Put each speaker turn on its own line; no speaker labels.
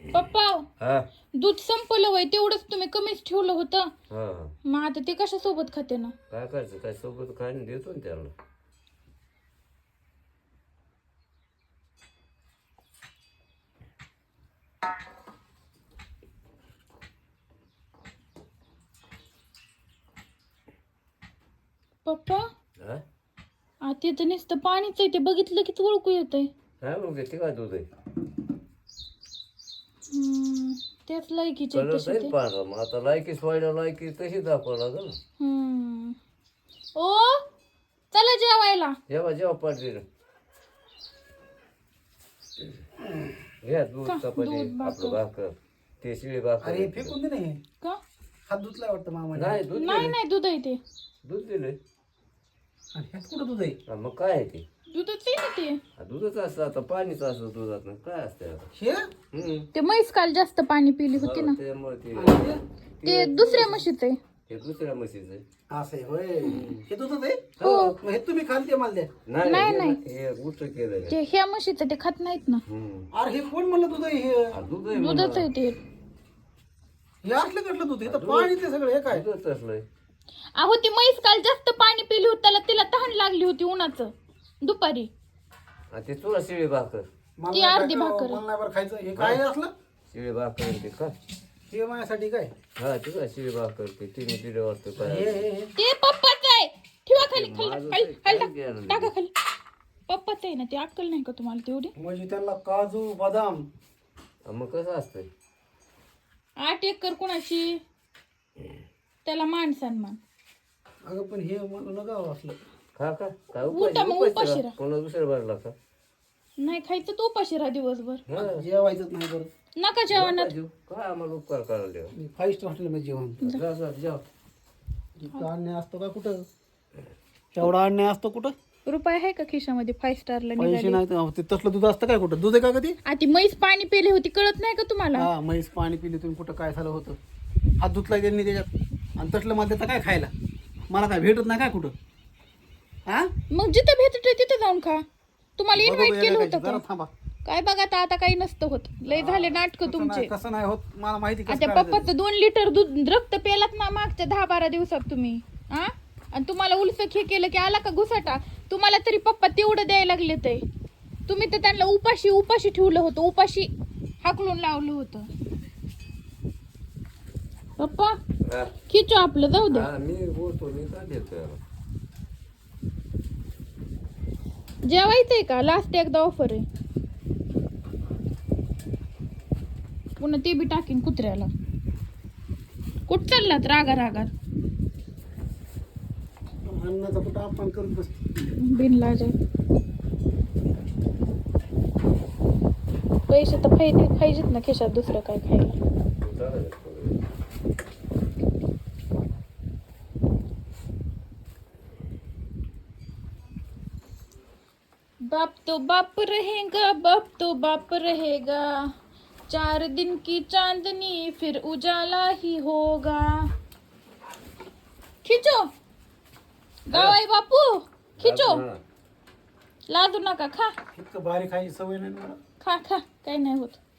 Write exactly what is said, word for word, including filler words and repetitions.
पप्पा
हा
दूध संपलं वय तेवढंच तुम्ही कमीच ठेवलं होतं.
हा
मग आता ते कशा सोबत खाते ना.
काय करायचं काय सोबत खायला देतो ना त्याला.
पप्पा
हा
आता तर नुसतं पाणीच आहे ते बघितलं की ओळखू येतंय.
काय मग ते काय दूध आहे
हम्म, त्याच लायकीचे आहेत
कलर
तसे
जाईल
ते.
पांढरा मग आता लायकीच व्हायला लायकी तशी दाखवा लागेल ना.
हम्म. ओ चला जेवायला.
जेव्हा जेव्हा पाडली घ्या दूध
का?
चपाती
दूध, भाकर.
आपलं भाकर ते शिळी भाकर
अरे फेकून दे नाही
का
हात धुतलाय वाटतं मामा.
नाही दूध
नाही
दिलंय.
नाही दूध आहे ते.
दूध दिलंय
आणि ह्यात कुठं दूध आहे?
हा, मग काय आहे ते
दूधच आहे ना ते.
हा, दूधच असतं आता पाणीच असतं दुधात काय असतं आता
हे
हम्म.
ते म्हैस काल जास्त पाणी पिली होती ना.
हा, त्यामुळे ते
आणि हे?
ते दुसऱ्या म्हशीचं आहे.
ते दुसऱ्या म्हशीचं आहे.
असं आहे होय. हे दूधच आहे?
हो.
मग हे तुम्ही खाल ते मला द्या.
नाही
नाही,
नाही
नाही.
हे उलट केलं
ते ह्या म्हशीचं ते खात नाहीत ना.
अरे हे कोण म्हणलं दूध आहे हे?
हा, दूध आहे
दूधच
म्हणा.
आहे ते.
हे असलं कटलं दूध? हे तर पाणी ते सगळं हे काय?
दूधच असलंय
अहो ती म्हैस काल जास्त पाणी पिली होती त्याला तिला तहान लागली होती उन्हाचं दुपारी.
हा, ते तुला शिळी भाकर
मला
ती
नाही
अर्धी
काय-
भाकर.
मला नाही बरं खायचं. हे काय असलं?
शिळी भाकर ते का
हे माझ्यासाठी काय?
हा ते काय शिळी भाकर ते तिने दिले वाटतं
हे
काय
हे हे
ते पप्पाच आहे. ठेवा खाली
ते
खाली
माझं
खाली
ते
खाली
काय
टाक.
घ्यायला
टाका खाली. पप्पाच आहे ना ते अक्कल नाही का तुम्हाला तेवढी.
म्हणजे त्याला काजू बदाम
हा, मग कसं असतंय
आठ एकर कुणाची त्याला मान सन्मान.
अगं पण हे मला नका असलं.
खा का काय
उठा मग,
उपाशी
उपाशी
उपाशी
राहा.
कोणा दुसऱ्या भरला का
नाही खायचं तो उपाशी राहा दिवसभर.
हा,
जेवायचंच नाही बरं.
नका जेवणात.
नका जेवू. काय आम्हाला उपकार करायला द्या
मी फाईव्ह स्टार हॉटेलमध्ये जेवण.
जा जा जेव.
इतका अन्याय असतो का कुठं? एवढा अन्याय असतो कुठं?
रुपये आहे का खिशामध्ये फाईव्ह स्टारला
पैसे
निघाले.
नाही तर ते तसलं दूध असतं काय कुठं? दूध आहे का कधी?
आ ती म्हैस पाणी पिली होती कळत नाही का तुम्हाला.
हा म्हैस पाणी पिली तुम्ही कुठं काय झालं होतं? हात धुतला त्यांनी त्याच्यात आणि तसलं मला देता काय खायला? मला काय भेटत नाही काय कुठं? हा
मग जिथं भेटत तिथं जाऊन खा. तुम्हाला
बघू
इन्व्हाइट
बघू
केलं
एका
होतं
जरा
का?
थांबा.
काय बघा आता आता काही नसतं होत. लय झाले नाटक
कसं
तुमचे.
नाही- कसं नाही होत मला माहिती कसं
आता
करायचं.
पप्पाचं दोन लिटर दूध रक्त पेलात ना मागच्या दहा बारा दिवसात तुम्ही. हा आणि तुम्हाला उलसक हे केलं की आला का घुसाटा. तुम्हाला तरी पप्पा तेवढं द्यायला लागले ते. तुम्ही तर त्यांना उपाशी उपाशी ठेवलं होतं. उपाशी हाकलून लावलं होतं. पप्पा
हा.
खिचो आपलं जाऊ दे.
हा, मी बोलतो मी का देतो
जेवायचंय का लास्ट एकदा ऑफर आहे. पुन्हा ते बी टाकीन कुत्र्याला. कुठ चाललात रागा रागात
अन्नाचा कुठं अपमान करत बस.
बिनलाज पैसे तर पाहिजे पाहिजेत ना खिशात दुसरं काय खायला. बाप तो बाप रहेगा बाप तो बाप रहेगा चार दिन की चांदनी फिर उजाला ही होगा. खिचो गावाई बापू खिचो. लादू नका खा
इतकं भारी खायची सवय नाही मला.
खा खा काही नाही होत.